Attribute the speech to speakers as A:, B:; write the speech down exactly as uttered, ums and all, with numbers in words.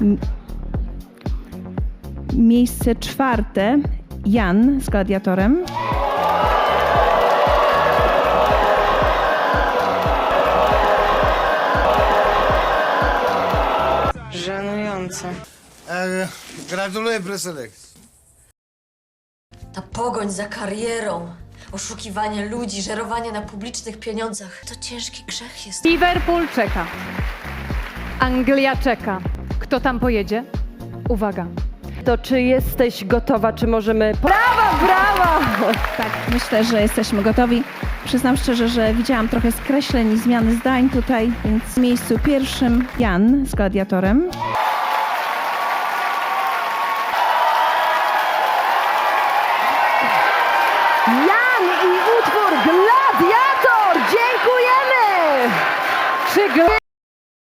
A: M miejsce czwarte Jan z Gladiatorem.
B: Żenujące.
C: E, gratuluję preselekcji.
D: Ta pogoń za karierą, oszukiwanie ludzi, żerowanie na publicznych pieniądzach to ciężki grzech jest.
E: Liverpool czeka. Anglia czeka. Kto tam pojedzie? Uwaga.
F: To czy jesteś gotowa, czy możemy... Brawa, brawa!
A: Tak, myślę, że jesteśmy gotowi. Przyznam szczerze, że widziałam trochę skreśleń i zmiany zdań tutaj, więc w miejscu pierwszym Jan z Gladiatorem.
F: Jan i utwór Gladiator! Dziękujemy! Czy gl...